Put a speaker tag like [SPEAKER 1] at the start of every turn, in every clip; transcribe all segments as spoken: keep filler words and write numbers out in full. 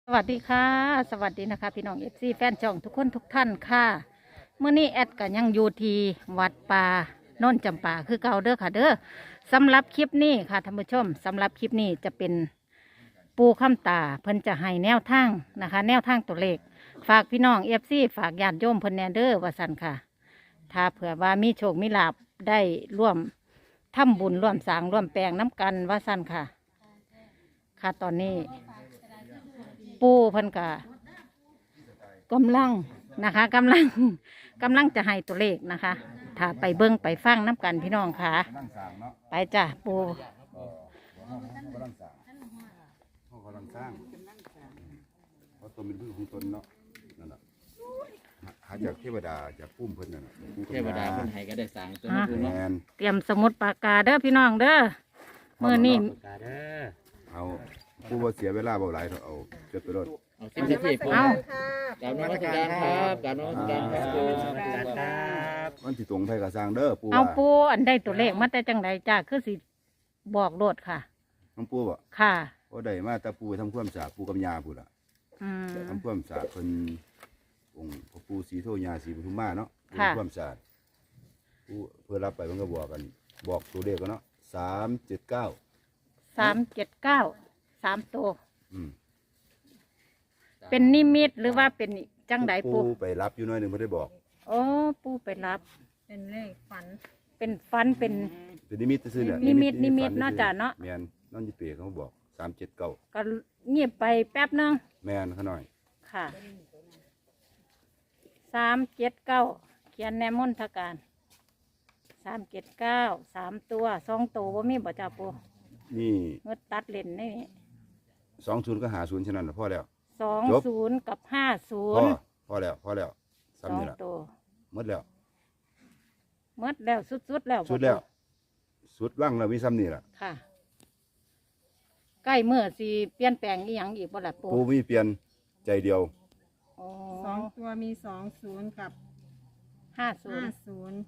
[SPEAKER 1] สวัสดีค่ะสวัสดีนะคะพี่น้องเอฟซีแฟนช่องทุกคนทุกท่านค่ะเมื่อนี้แอดกันยังอยู่ที่วัดป่าโน่นจำปาคือเก่าเด้อค่ะเด้อสำหรับคลิปนี้ค่ะท่านผู้ชมสำหรับคลิปนี้จะเป็นปูข้ามตาเพิ่นจะให้แนวทางนะคะ แนวทางตัวเลขฝากพี่น้องเอฟซีฝากญาติโยมเพิ่นแนเด้อว่าสันค่ะ ถ้าเผื่อว่ามีโชคมีลาภได้ร่วมทำบุญร่วมสร้างร่วมแปลงน้ำกันว่าสันค่ะ ค่ะตอนนี้ ปูเพิ่นกะกำลังนะคะกำลังกำลังจะให้ตัวเลขนะคะ ถ้าไปเบิ้งไปฟังน้ำกันพี่น้องค่ะ ไปจ้ะปู
[SPEAKER 2] กำลังสร้างเขากำลังสร้างเพราะตัวเป็นพืชของตนเนาะนั่นแหละหาจากเทวดาจากพุ่มเพิ่นนั่นแหละ
[SPEAKER 3] เทวดาคนไทยก็ได้สั่งตัวนี้
[SPEAKER 2] แม
[SPEAKER 3] เนาะ
[SPEAKER 2] น
[SPEAKER 1] เตรียมสมุดปากกาเด้อพี่น้องเด้อเมื่อนี้
[SPEAKER 3] กาเด้อ
[SPEAKER 2] เอาผู้ว่าเสียเวลาบ่หลายเถอะเอาจดไปรถ
[SPEAKER 3] เอาสิบนาทีผม
[SPEAKER 1] เอา
[SPEAKER 3] กราบนมัสการครับกราบนมัสการครับ
[SPEAKER 2] มันสิตรงไปกับสร้างเด้อปู่
[SPEAKER 1] เอา
[SPEAKER 2] ว่า
[SPEAKER 1] ปูอันได้ตัวเลขมาแต่จังไดจ้าคือสิบอกโลดค่ะ
[SPEAKER 2] น้องปู่บ่
[SPEAKER 1] ค่ะ
[SPEAKER 2] พอได้มาแต่ปู่ทำความสะอาดปู่กับย่าพุ่นล่ะ
[SPEAKER 1] อืม
[SPEAKER 2] ทำความสะอาดเพิ่นองค์พ่อปู่ศรีโทย่าศรีปทุมมาเนาะ
[SPEAKER 1] ค่ะ
[SPEAKER 2] ทำความสะอาดปู่เพื่อรับไปมันก็บอกกัน บอกตัวเลขกันเนาะสามเจ็ดเก้า
[SPEAKER 1] สามเจ็ดเก้าสามตัว
[SPEAKER 2] อืม
[SPEAKER 1] เป็นนิมิตหรือว่าเป็นจังไดปู
[SPEAKER 2] ปู่ไปรับอยู่หน้อยหนึงไม่ได้บอก
[SPEAKER 1] โอ้ปูไปรับ
[SPEAKER 4] เป็นเลขฝัน
[SPEAKER 1] เป็นฟันเป็น
[SPEAKER 2] เป็นนิมิตซื่อๆเนี่ย
[SPEAKER 1] นิมิตนิมิต
[SPEAKER 2] ฝั
[SPEAKER 1] เนาะจ้ะเนาะ
[SPEAKER 2] แมนน้องยี่เปียเขาบอกสามเจ็ดเก้า
[SPEAKER 1] ก็เงียบไปแป๊บนึง
[SPEAKER 2] แมนเขาหน่อย
[SPEAKER 1] ค่ะสามเจ็ดเก้าเขียนแนมนทการสามเจ็ดเก้าสามตัวสองตัวว่ามีบ่จ่าปู
[SPEAKER 2] นี่
[SPEAKER 1] เงดตัดเลนนี่
[SPEAKER 2] สองศูนย์ก็หาศูนย์ฉะนั้นน่ะพอแล้ว
[SPEAKER 1] สอง
[SPEAKER 2] จบ
[SPEAKER 1] ศูนย์กับห้าศู
[SPEAKER 2] พอน
[SPEAKER 1] ย์
[SPEAKER 2] พอแล้วพอแล้ว
[SPEAKER 1] สอ
[SPEAKER 2] ซ้ำ
[SPEAKER 1] ง
[SPEAKER 2] นี่ละ
[SPEAKER 1] ตัว
[SPEAKER 2] หมดแล้ว
[SPEAKER 1] เมดแล้วสุดๆแล้วบ่
[SPEAKER 2] สุดแล้ว สุดว่างแล้วมีซ้ำนี่ละ
[SPEAKER 1] ค่ะ ใกล้เมื่อสิเปลี่ยนแปลงอีหยังอีกบ่ล่ะปู
[SPEAKER 2] ปูมีเปลี่ยนใจเดียว
[SPEAKER 1] โอ้
[SPEAKER 4] สองตัวมีสองศูนย์กับ
[SPEAKER 1] ห้าศู
[SPEAKER 4] ห้าน
[SPEAKER 1] ย์
[SPEAKER 4] ศูนย์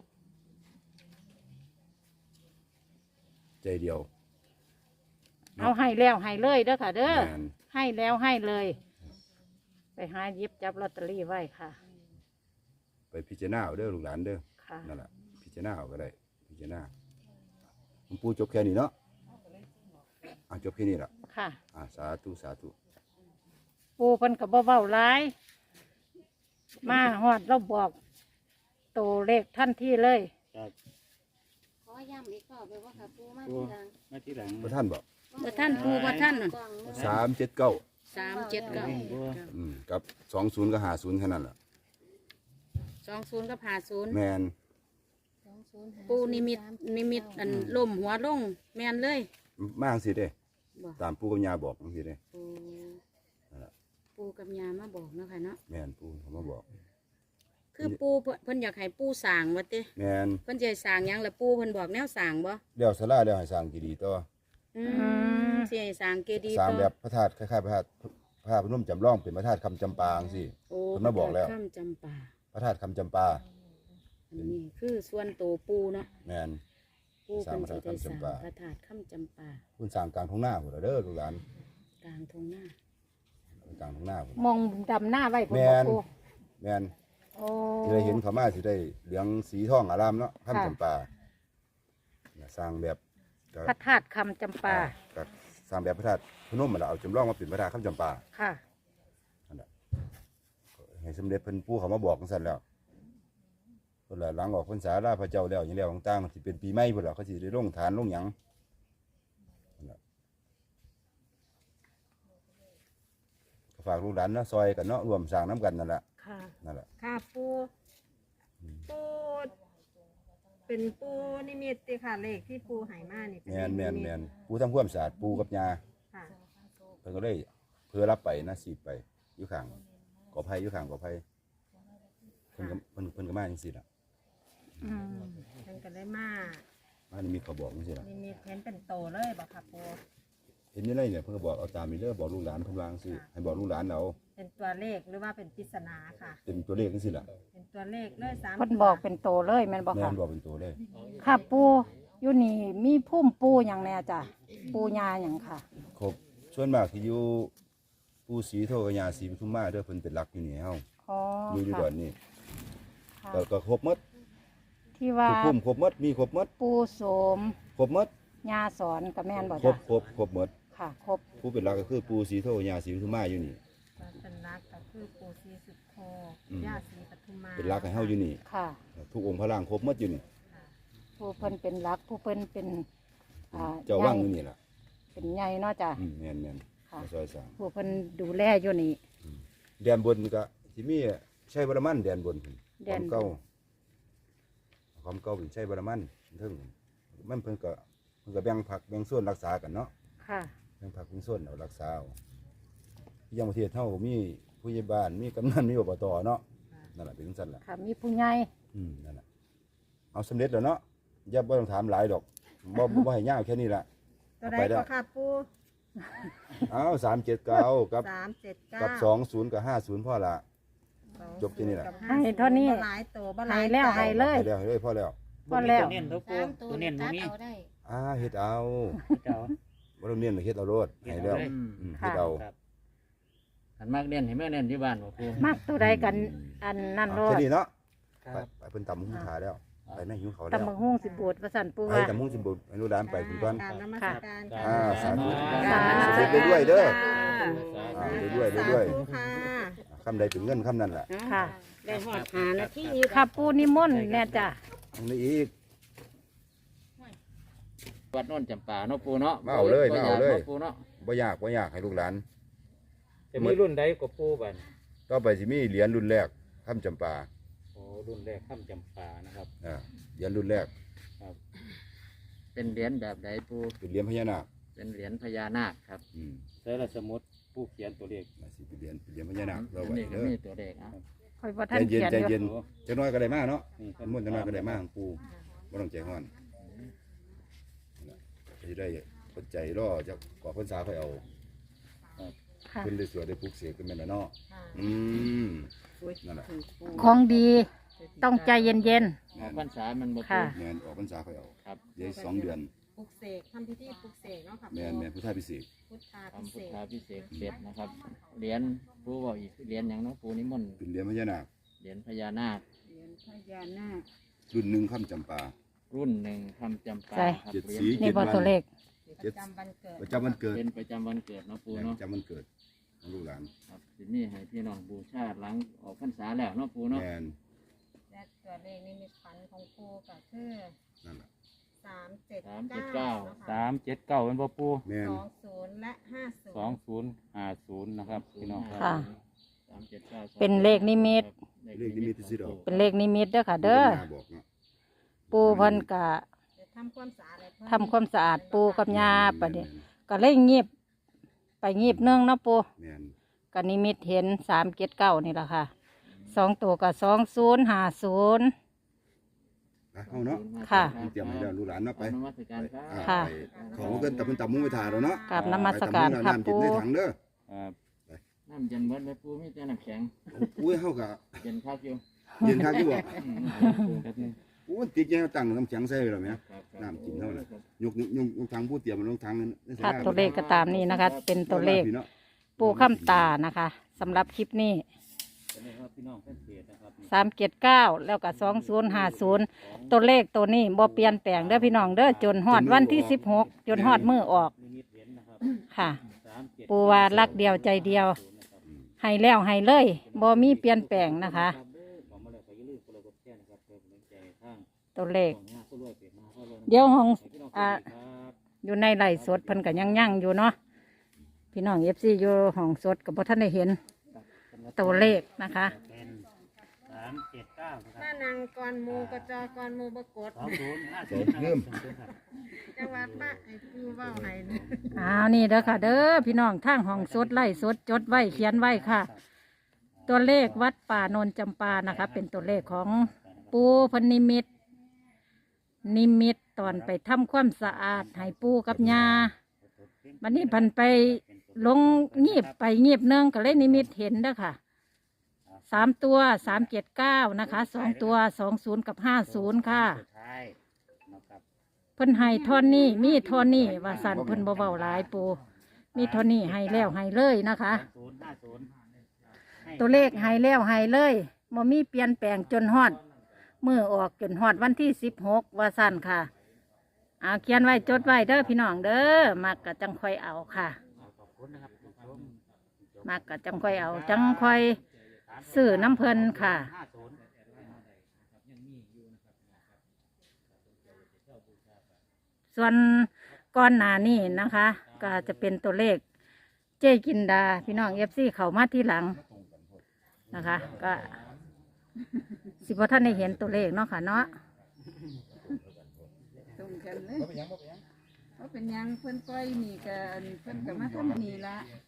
[SPEAKER 2] ใจเดียว
[SPEAKER 1] เอาให้แล้วให้เลยเด้อค่ะ เด้อ
[SPEAKER 2] แมน
[SPEAKER 1] ให้แล้วให้เลย ไปหาหยิบจับลอตเตอรี่ไว้ค่ะ
[SPEAKER 2] ไปพิจารณาเอาเด้อลูกหลานเด้อ
[SPEAKER 1] ค่ะ
[SPEAKER 2] นั่นแหละพิจารณาเอาก็ได้พิจารณาหลวงปู่จบแค่นี้เนาะอ่ะจบแค่นี้ละ
[SPEAKER 1] ค่ะ
[SPEAKER 2] อ่ะสาธุสาธุ
[SPEAKER 1] ปูเพิ่นกับเบาๆร้าย มาฮอดเราบอกโตวเลขท่านที่เลย
[SPEAKER 5] ขอย้ำอีกรอบเลยว่าค่ะปูมาทีหลัง
[SPEAKER 3] มาที่หลัง
[SPEAKER 2] พระท่านบอก
[SPEAKER 5] บ่ท่านปูบ่ท่านกล่องมือ
[SPEAKER 2] สามเจ็ดเก้า
[SPEAKER 5] สามเจ็ดเก้า
[SPEAKER 2] อืมกับสองศูนย์ก็หาศูนย์แค่นั้นแหละ
[SPEAKER 5] สองศูนย์กับห้าศูนย์
[SPEAKER 2] แมน
[SPEAKER 5] ปูนิมิตนิมิตอันล่มหัวลงแมนเลย
[SPEAKER 2] มากสิเด้
[SPEAKER 5] บ่
[SPEAKER 2] ตามปู่กับย่าบอกจังสิเด้
[SPEAKER 5] ปู
[SPEAKER 2] นั่นล่ะ
[SPEAKER 5] ปูกับยามาบอกเนาะค่ะเนาะ
[SPEAKER 2] แมนปู่เขามาบอก
[SPEAKER 5] คือปูเพิ่นเพิ่นอยากให้ปูสร้างว่าติ
[SPEAKER 2] แมน
[SPEAKER 5] เพิ่นจะให้สร้างหยังแล้วปูเพิ่นบอกแนวสร้างบ่
[SPEAKER 2] เดี๋ยวสลาเดี๋ยวให้สร้างกี่ดีต่อ
[SPEAKER 5] อื
[SPEAKER 1] ม
[SPEAKER 5] มสิให้สร้างเจดีย์
[SPEAKER 2] สร้าง
[SPEAKER 5] ต่อ
[SPEAKER 2] แบบพระธาตุคล้ายๆพระธาตุพระธาตุพนมจำลองเป็นพระธาตุคำจำปาจังสิ
[SPEAKER 5] โอ้
[SPEAKER 2] เพิ่นมาบอกแล้ว
[SPEAKER 5] ข้ามจำปา
[SPEAKER 2] พระธาตุคำจำปา
[SPEAKER 5] อันนี้คือส่วนโตวปูเนาะ
[SPEAKER 2] แมน
[SPEAKER 5] ปูเพิ่นสิได้สร้าง
[SPEAKER 2] สร้างพ
[SPEAKER 5] พ
[SPEAKER 2] ระ
[SPEAKER 5] ระ
[SPEAKER 2] ธาตุ
[SPEAKER 5] ธาตุข้ามจำปา
[SPEAKER 2] คุณสร้างกลางท้องหน้าพุ่นล่ะเด้อลูกหลาน
[SPEAKER 5] กลางทงหน้า
[SPEAKER 2] กลางท้องหน้าพุ่น
[SPEAKER 1] มองดำหน้าไว้ผม
[SPEAKER 2] แม่
[SPEAKER 1] บอก
[SPEAKER 2] น
[SPEAKER 1] ปู
[SPEAKER 2] แมน
[SPEAKER 1] โอ้
[SPEAKER 2] สิได้เห็นเขามาสิได้เหลืองสีทองอารามเนาะคำ
[SPEAKER 1] ค่ะ
[SPEAKER 2] จำปาน่ะสร้างแบบก็
[SPEAKER 1] พระธาตุคำจำปา
[SPEAKER 2] ก็สร้างแบบพระธาตุพนมมาแล้วเอาจำลองมาเป็นพระธาตุคำจำปา
[SPEAKER 1] ค่ะ
[SPEAKER 2] ให้สมเด็จเพิ่นปู่เขามาบอกจังซั่นแล้วเพิ่นละหลังออกพรรษาลาพระเจ้าแล้วอย่างแล้วต่างๆสิเป็นปีใหม่พุ่นล่ะเขาสิได้ลงฐานลงหยังนั่นล่ะก็ฝากลูกหลานเนาะซอยกันเนาะร่วมสร้างน้ำกันนั่นแหละ
[SPEAKER 1] ค่ะ
[SPEAKER 2] นั่นแหละ
[SPEAKER 4] ค่ะปูปูเป็นปูนิมิตติค่ะเลขที่ปูใหายมานี่เป็น
[SPEAKER 2] แม่น
[SPEAKER 4] เล
[SPEAKER 2] แม่
[SPEAKER 4] ข
[SPEAKER 2] น
[SPEAKER 4] นิ
[SPEAKER 2] แม่
[SPEAKER 4] มิ
[SPEAKER 2] น
[SPEAKER 4] ต
[SPEAKER 2] ปู่ทำความสะอาดปู่กับย่า
[SPEAKER 4] ค่ะ
[SPEAKER 2] เพิ่นก็เลยเพื่อรับไปนะสีไปอยู่ข้างกอไผ่อยู่ข้างกอไผ่เพิ่นก็เพิ่นเพิ่นก็มาจังซี่ล่ะ
[SPEAKER 1] อืม
[SPEAKER 4] เพิ่นก็ได้มา
[SPEAKER 2] มานี่มีเขาบอกจังซี่ล่ะ
[SPEAKER 4] นิมิตเห็นเป็นโตเลยบอกค่ะปู
[SPEAKER 2] เห็นอยู่ในเนี่ยเพิ่นก็บอกเอาตามนี้เด้อบอกลูกหลานเพิ่นวาจังซี่ให้บอกลูกหลานเอา
[SPEAKER 4] เป็นตัวเลขหรือว่าเป็นปริศนาค่ะ
[SPEAKER 2] เป็นตัวเลขจังซี่ล่ะ
[SPEAKER 4] เป็นตัวเลขเลยสาม
[SPEAKER 1] เพิ่นบอกเป็นโตเลยแม่นบอก
[SPEAKER 2] แม่
[SPEAKER 1] ค่ะ
[SPEAKER 2] นบอกเป็นตัวเลย
[SPEAKER 1] ค่ะปูอยู่นี่มีพุ่มปูอย่างแน่จ้ะปูยาอย่างค่ะ
[SPEAKER 2] ครบส่วนมากที่อยู่ปู่ศรีโทกบยาศรีปทุมมาเด้อเพิ่นเป็นหลักอยู่นี่เฮา
[SPEAKER 1] อ๋อ
[SPEAKER 2] อยู่อยู่
[SPEAKER 1] ค่ะ
[SPEAKER 2] ดอนนี่
[SPEAKER 1] ค่ะ
[SPEAKER 2] ก็ก็ครบหมด
[SPEAKER 1] ที่ว่า
[SPEAKER 2] ทุกภูมิครบหมดมีครบหมด
[SPEAKER 1] ปูโสม
[SPEAKER 2] ครบหมด
[SPEAKER 1] ยาสอนกับแม่นบ่
[SPEAKER 2] คร
[SPEAKER 1] จ้ะ
[SPEAKER 2] บครบครบหมด
[SPEAKER 1] ค่ะ ครบ
[SPEAKER 2] ผู้เป็นหลักก็คือปู่ศรีโทกบยาศรีปทุมมาอยู่นี่
[SPEAKER 4] เป็นรักก็คือปู่ศรีสุโธ
[SPEAKER 2] อืม
[SPEAKER 4] ย่าศรีปทุมมา
[SPEAKER 2] เป็นหลักให้เฮาอยู่นี่
[SPEAKER 1] ค่ะ
[SPEAKER 2] ทุกองค์พระร่างครบหมดอยู่นี่
[SPEAKER 1] ผู้เพิ่นเป็นรักผู้เพิ่นเป็นอ่า
[SPEAKER 2] เจ้าว่างอยู่นี่ล่ะ
[SPEAKER 1] เป็นใหญ่เนาะจ้ะ
[SPEAKER 2] อืมแม่นแม่น
[SPEAKER 1] ค่ะ
[SPEAKER 2] มาซอยสร้าง
[SPEAKER 1] ผู้เพิ่นดูแลอยู่นี่
[SPEAKER 2] แดนบนก็สิมีใช้บารมันแดนบนพุ่น
[SPEAKER 1] แด
[SPEAKER 2] ควาน ม
[SPEAKER 1] บน
[SPEAKER 2] เก่าความเก่าเป็นใช้บารมันเทิงมันเพิ่นก็เพิ่นก็แบ่งผักแบ่งส่วนรักษากันเนาะ
[SPEAKER 1] ค่ะ
[SPEAKER 2] แบ่งผักแบ่งส่วนเอารักษาเอาที่ยังประเทศเฮามีผู้ใหญ่บ้านมีกำนันมีอบตเนาะนั่นแหละเป็นจังซั่นล่ะ
[SPEAKER 1] ค่ะ มีผู้ใหญ่
[SPEAKER 2] อืมนั่นแหละเอาสำเร็จแล้วเนาะอย่าบ่ต้องถามหลายดอกบ่บ่บ่ให้ยาวแค่นี้ล่ะ
[SPEAKER 4] ตัวใด
[SPEAKER 2] ไปแล้ว
[SPEAKER 4] ก็ค่ะปู่
[SPEAKER 2] เอาสามเจ็ดเก้ากับ
[SPEAKER 4] สามเจ็ดเก้า
[SPEAKER 2] กับสองศูนย์กับห้าศูนย์พ่อละ จบที่นี่แหละ
[SPEAKER 1] ให้เท่านี้
[SPEAKER 4] บ่หลายตัวบ่หลาย
[SPEAKER 1] ให้แล้ว
[SPEAKER 4] ตัว
[SPEAKER 1] ให้เลย
[SPEAKER 2] ให้แล้วให้เลยพ่อแล้ว
[SPEAKER 1] พอแล้ว
[SPEAKER 3] ตัวเน้นตัวปู
[SPEAKER 5] สามตัว
[SPEAKER 3] ตัวเน้นบ่
[SPEAKER 5] ตัด
[SPEAKER 3] มี
[SPEAKER 5] เอาได้
[SPEAKER 2] อ่าเฮ็ดเอา
[SPEAKER 3] เจ้า
[SPEAKER 2] บ่ต้องเน้นเฮ็ดเอาโลดให้แล้ว
[SPEAKER 3] อืม
[SPEAKER 2] อืมเฮ็ดเอา
[SPEAKER 3] ครับอันมากเน้นให้แม่เน้นที่บ้านบ่ปู
[SPEAKER 1] มักตัวใดกันอันนั่นโล
[SPEAKER 2] แค่
[SPEAKER 1] ด
[SPEAKER 2] นี้เนาะ
[SPEAKER 3] ค
[SPEAKER 2] ไป
[SPEAKER 3] รับ
[SPEAKER 2] ไปเพิ่นตำหุ้งขาแล้ว ไปแม่หิวเขาแล้ว
[SPEAKER 1] ตำบักหุ่งสิบูดประสันปู
[SPEAKER 2] ไป
[SPEAKER 1] ว่า
[SPEAKER 2] ตำหุ้งสิบุให้ลูกหลานไปคุณก่อน
[SPEAKER 4] กราบนมัสการค่ะ
[SPEAKER 2] อ่าสาธุ
[SPEAKER 1] สาธุ
[SPEAKER 2] เสร็จเรื่อยๆเด้อ
[SPEAKER 4] ค่ะ
[SPEAKER 2] อ่าเรื่อยๆเรื่อย
[SPEAKER 4] สาธุค่ะ
[SPEAKER 2] ๆคำใดเป็นเงินคำนั้นแหละ
[SPEAKER 1] ค่ะ
[SPEAKER 5] ได้หอดหานาที
[SPEAKER 1] ค่ะปูนิมนต์แน่จ้ะ
[SPEAKER 2] อันนี้อีก
[SPEAKER 3] วัดโน่นจำปาเนาะปูเนาะ
[SPEAKER 2] มาเอาเลย
[SPEAKER 3] บ่
[SPEAKER 2] มาเอาเลย
[SPEAKER 3] นะปูเนาะ
[SPEAKER 2] บ่ยากบ่ยากให้ลูกหลาน
[SPEAKER 6] จะมีรุ่นใดกับปูบัน
[SPEAKER 2] ต่อไปสิมีเหรียญรุ่นแรกคำจำปา
[SPEAKER 6] โอ้รุ่นแรกข้ามจำปานะครับ
[SPEAKER 2] อ่าเหรียญรุ่นแรก
[SPEAKER 3] เป็นเหรียญแบบใดปู
[SPEAKER 2] เป็นเหรียญพญานาค
[SPEAKER 3] เป็นเหรียญพญานาคครับ
[SPEAKER 2] อืม
[SPEAKER 6] ใช้ละสมุดผู้เขียนตัวเลข
[SPEAKER 2] น่าสิเป็นเหรียญเป็นเหรียญพญานาคเรา
[SPEAKER 3] อัน
[SPEAKER 2] ไว้
[SPEAKER 3] นี้ก็
[SPEAKER 2] เด้อ
[SPEAKER 3] มีตัวเลขอ่ะ
[SPEAKER 1] คอยบ่
[SPEAKER 2] ใจ
[SPEAKER 1] ท่าน
[SPEAKER 2] เย็น
[SPEAKER 1] เขียน
[SPEAKER 2] ใจ
[SPEAKER 1] อยู่
[SPEAKER 2] เย็นจะน้อยก็ได้มากเนาะ
[SPEAKER 6] นี่ครับ
[SPEAKER 2] มุ่นจะน้อยก็ได้มากของปูบ่ต้องใจห้อนจะได้ปัจจัยรอจะก่อพรรษาค่อยเอา
[SPEAKER 1] ค่ะ
[SPEAKER 2] เพิ่นได้สวดได้ปลูกเสกกันแม่นน่ะเนาะอืมนั่นแหละ
[SPEAKER 1] ของดีต้องใจเย็น
[SPEAKER 3] ออกพรรษามันบ่
[SPEAKER 1] ค่ะ
[SPEAKER 3] ปู
[SPEAKER 2] แม่นออกพรรษาค่อยเอา
[SPEAKER 3] ครับ
[SPEAKER 2] เดี๋ยวอีกสองเดือน
[SPEAKER 4] ปลุกเสกทำพิธีปลุกเสกเนาะค่ะ
[SPEAKER 2] แม่นแม่นพุทธาพิเศษก
[SPEAKER 4] พุทธาพิ
[SPEAKER 3] ทำ
[SPEAKER 4] เศ
[SPEAKER 3] พุท
[SPEAKER 4] ษ
[SPEAKER 3] ธาพิเศษกเสร็จนะครับเหรียญปูบอกอีกเหรียญหยังเนาะปูนิมนต์
[SPEAKER 2] เป็นเหรียญพญานาค
[SPEAKER 3] เหรียญพญานาค
[SPEAKER 5] เหรียญพญานาค
[SPEAKER 2] รุ่นหนึ่งคำจำปา
[SPEAKER 3] รุ่นหนึ่งคำจำปา
[SPEAKER 1] ใช่
[SPEAKER 3] ครับ
[SPEAKER 2] เจ็ด
[SPEAKER 3] เหรียญ
[SPEAKER 2] สี
[SPEAKER 1] ๆ นี่บ่ตัวเลข
[SPEAKER 4] ประจำวันเกิด
[SPEAKER 2] ประจำวันเกิด
[SPEAKER 3] เป็นประจำวันเกิดเนาะปู
[SPEAKER 2] แม่น
[SPEAKER 3] เนาะ
[SPEAKER 2] ประจำวันเกิดของลูกหลาน
[SPEAKER 3] ครับทีนี้ให้พี่น้องบูชาหลังออกพรรษาแล้วเนาะปูเนาะ
[SPEAKER 2] แม่น
[SPEAKER 4] และตัวเลขนิมิตฝันของครูก็คือ
[SPEAKER 2] นั่นแหละ
[SPEAKER 4] สามเจ็ด
[SPEAKER 3] สามเจ็ด
[SPEAKER 4] เก้า
[SPEAKER 3] เก้า
[SPEAKER 4] นะคะ
[SPEAKER 6] สามเจ็ดเก้าเป็นบ่ปู
[SPEAKER 2] แม่น
[SPEAKER 4] สองศูนย์และห้าศูนย์
[SPEAKER 6] สองศูนย์ห้าศูนย์นะครับพี่น้องครับ
[SPEAKER 1] ค่ะ
[SPEAKER 3] สามเจ็ดเก้า
[SPEAKER 1] เป็นเลขนิมิต
[SPEAKER 2] เลขนิมิตที่สิดอก
[SPEAKER 1] เป็นเลขนิมิตเด้อค่ะ เด้อ
[SPEAKER 2] พิ่นมาบอกเนาะ
[SPEAKER 1] ปูเพิ่นกะ
[SPEAKER 4] เดี๋ยวทำความสะอาดเลยเพิ่น
[SPEAKER 1] ทำความสะอาดปูกับยาปะเดี๋ยวก็เลยงีบไปงีบเนื่องเนาะปู
[SPEAKER 2] แม่น
[SPEAKER 1] ก็นิมิตเห็นสามเจ็ดเก้านี่แหละค่ะสองตัวกับสองศูนย์ห้าศูนย์
[SPEAKER 2] ไปเข้าเนาะ
[SPEAKER 1] ค่ะ
[SPEAKER 2] เตรียมให้แล้วลูกหลานเนาะไป
[SPEAKER 3] นมัสการครับ
[SPEAKER 2] อ่า
[SPEAKER 1] ค่ะ
[SPEAKER 2] ไปของเกินแต่เพิ่นตำมุ้งไปถ่าแล้วเนาะ
[SPEAKER 1] กราบนมัสการ
[SPEAKER 2] ไป
[SPEAKER 1] ค่ะ
[SPEAKER 2] ตำมุ้งน้ำจิบ
[SPEAKER 1] ปู
[SPEAKER 2] ในถังเด้อ
[SPEAKER 6] ครับ
[SPEAKER 3] น้ำเย็นเบิดไหมปูมีแต่น้ำแข็ง
[SPEAKER 2] อุ้ยเฮากะ
[SPEAKER 3] เย็นคักอยู่
[SPEAKER 2] เย็นคักอยู่บ่
[SPEAKER 3] อืม
[SPEAKER 6] แป๊บนึง
[SPEAKER 2] อู้ติดแย่ตั้งน้ำแข็งใส่ไว้แล้วแม่
[SPEAKER 3] ครับครับ
[SPEAKER 2] น้ำจิ้มเท่าไหร่ ยกยกยกยกทางผู้เตรียมมันลงทางนั้นได้ใส่
[SPEAKER 1] ค่ะ
[SPEAKER 2] ได้
[SPEAKER 1] ตัวเลขก็ตามนี้นะคะ เป็นตัวเลข
[SPEAKER 2] พี่นาะ
[SPEAKER 1] ปูข้ามตานะคะสำหรับคลิปนี้
[SPEAKER 6] ตัวนี้ครับพี่น้องแฟนเพจนะครับ
[SPEAKER 1] สามเจ็ดเก้าแล้วก็สองศูนย์ห้าศูนย์ตัวเลขตัวนี้บ่เปลี่ยนแปลงเด้อพี่น้องเด้อจนฮอดวันที่สิบหกจนฮอดมือออก
[SPEAKER 6] นิมิตเห็นนะครับ
[SPEAKER 1] ค่ะ
[SPEAKER 6] สามเจ็ด
[SPEAKER 1] ปูว่ารักเดียวใจเดียว ให้แล้วให้เลยบ่มีเปลี่ยนแปลงนะคะ
[SPEAKER 6] ผมมาเลยไปยืมคนละกดแค่นะครับเพื่อเป็นใจทาง
[SPEAKER 1] ตัวเลข
[SPEAKER 6] ของงานผู้รวยเปลี่ยนมาผู้รวย
[SPEAKER 1] เดี๋ยวห้อง
[SPEAKER 6] พี่น้อง
[SPEAKER 1] อ่า
[SPEAKER 6] ครับ
[SPEAKER 1] อยู่ในไร่สดเพิ่นก็ยังยั่งอยู่เนาะพี่น้องเอฟซีอยู่ห้องสดกับพ่ท่านได้เห็นตัวเลขนะคะ
[SPEAKER 6] เป็นสามเจ็ดเก้านะครับ
[SPEAKER 4] ถ้านางกรมูกระจอกรมูบกด
[SPEAKER 6] สองศูนย์ห้า
[SPEAKER 2] ใส่
[SPEAKER 6] ศูนย์
[SPEAKER 2] เพิ่ม
[SPEAKER 6] ครับ
[SPEAKER 4] จังหวัดบ้านไอ้ปูเว้าให้นะ
[SPEAKER 1] อ้าวนี่เด้อค่ะเด้อพี่น้องทางห้องสดไล่สดจดไว้เขียนไว้ค่ะ ตัวเลขวัดป่าโนนจำปานะคะ เป็นตัวเลขของปูเพนนิมิต นิมิตตอนไปทำความสะอาดให้ปูกับยาวันนี้เพันไปลงงีบไปงีบเนื่องก็เลยนิมิตเห็นเด้อค่ะสามตัวสามเจ็ดเก้านะคะสองตัวสองศูนย์กับห้าศูนย์ค่ะ
[SPEAKER 6] สุดท้ายนะครับ
[SPEAKER 1] เพิ่นให้ทอนนี่มีทอนนี่ว่าสันเพิ่นบ่เบาหลายปูมีเท่านี้ให้แล้วให้เลยนะคะ
[SPEAKER 6] ศูนย์ห้าศูนย์
[SPEAKER 1] ตัวเลขให้แล้วให้เลยบ่มีเปลี่ยนแปลงจนฮอดมือออกจนฮอดวันที่สิบหกว่าสั้นค่ะเอาเขียนไว้จดไว้เด้อพี่น้องเด้อมักกะจังค่อยเอาค่ะ
[SPEAKER 6] ขอบคุณนะครับผู้ชม
[SPEAKER 1] มักกะจังค่อยเอาจังค่อยซื้อน้ำเพลินค่ะ
[SPEAKER 6] ห้าศูนย์
[SPEAKER 1] ส่วนก้อนหนานี่นะคะ ก็จะเป็นตัวเลขเจ๊กินดาพี่น้องเอฟซีเขามาที่หลังนะคะ ก็สิบท่านได้เห็นตัวเลขเนาะค่ะเนาะ
[SPEAKER 5] ตรงกันเลยเพราะเป็นหยังเพิ่นปล่อยนี่ก็เพิ่นก็มาทำนี่ละ